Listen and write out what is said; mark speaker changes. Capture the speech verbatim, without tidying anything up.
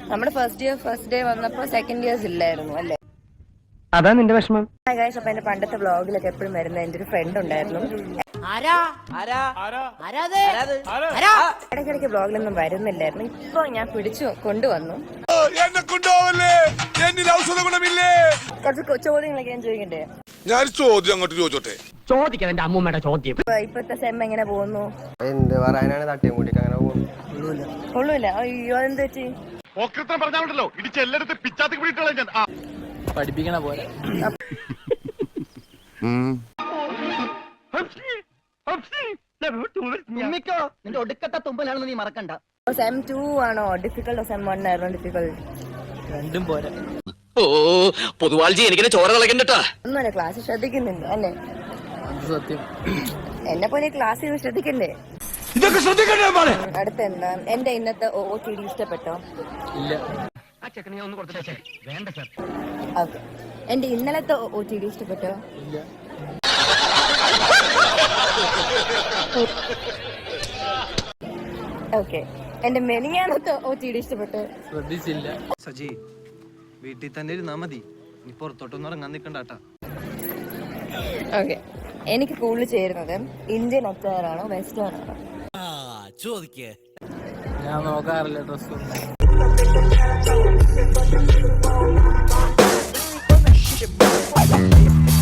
Speaker 1: നമ്മുടെ first year first day വന്നപ്പോ second years ഇല്ലായിരുന്നു അല്ലേ?
Speaker 2: അതാ നിന്റെ വിഷമം.
Speaker 1: അപ്പൊ എന്റെ പണ്ടത്തെ വ്ളോഗിലൊക്കെ എപ്പോഴും വരുന്ന എന്റെ ഒരു ഫ്രണ്ട് ഉണ്ടായിരുന്നു. ഇടയ്ക്കിടയ്ക്ക് വ്ളോഗിലൊന്നും വരുന്നില്ലായിരുന്നു. ഇപ്പൊ ഞാൻ പിടിച്ചു കൊണ്ടുവന്നു. കുറച്ച് ചോദ്യങ്ങളൊക്കെ ഞാൻ ചോദിക്കണ്ടേ?
Speaker 3: ഞാൻ ചോദ്യം അങ്ങോട്ട് ചോദിച്ചോട്ടെ.
Speaker 2: ചോദിക്കാം എന്റെ അമ്മൂമ്മയുടെ ചോദ്യം.
Speaker 1: ഇപ്പത്തെ സെം എങ്ങനെ പോകുന്നു?
Speaker 4: എന്ത് പറയാനാണ്, തട്ടിയും കൂട്ടിട്ട് അങ്ങനെ പോകുന്നു.
Speaker 1: കൊള്ളൂല. അയ്യോ അതെന്ത് വെച്ച്
Speaker 3: പറഞ്ഞാണല്ലോ ഇടിച്ച് എല്ലായിടത്തും പിച്ചാത്തി പിടിയിട്ടുള്ള ഞാൻ
Speaker 5: പഠിപ്പിക്കണ പോലെ.
Speaker 2: നിന്റെ ഒടുക്കത്തെ തുമ്പലാണെന്ന് നീ മറക്കണ്ട.
Speaker 1: സെം ടു ആണോ ഡിഫിക്കൽട്ട്? സെം വൺ ആയിരുന്നു ഡിഫിക്കൽട്ട്?
Speaker 5: രണ്ടും പോരാ.
Speaker 6: ഓ പൊതുവാൾജി എനിക്കിനെ ചോര കളക്കണ്ടട്ടാ.
Speaker 1: ഒന്നുമല്ല, ക്ലാസ് ശ്രദ്ധിക്കുന്നുണ്ട് അല്ലേ?
Speaker 5: സത്യം.
Speaker 1: എന്നെ പോലെ ക്ലാസ് ചെയ്ത് ശ്രദ്ധിക്കണ്ടേ?
Speaker 3: ഇതൊക്കെ ശ്രദ്ധിക്കണ്ടേ?
Speaker 1: അടുത്ത എന്താ? എന്റെ ഇന്നത്തെ ഒ ടി ഡി ഇഷ്ടപ്പെട്ടോ?
Speaker 5: ഇല്ല.
Speaker 1: ഓക്കെ. എന്റെ ഇന്നലത്തെ ഒ ടി ഡി ഇഷ്ടപ്പെട്ടോ?
Speaker 5: ഇല്ല.
Speaker 1: ഓക്കെ. എന്റെ മെനിങ്ങാനത്തെ ഒ ടി ഡി ഇഷ്ടപ്പെട്ടോ?
Speaker 5: ശ്രദ്ധിച്ചില്ല.
Speaker 4: സജി വീട്ടിൽ തന്നെ ഇരുന്നാ മതി, നീ പുറത്തോട്ടൊന്നും ഇറങ്ങാൻ നിൽക്കണ്ടാട്ടാ.
Speaker 1: ഓക്കെ. എനിക്ക് കൂടുതൽ ചേരുന്നത് ഇന്ത്യൻ അച്ചാർ ആണോ വെസ്റ്റേൺ ആണോ?
Speaker 6: ചോദിക്കേ.
Speaker 5: ഞാൻ നോക്കാറില്ല ഡ്രസ്.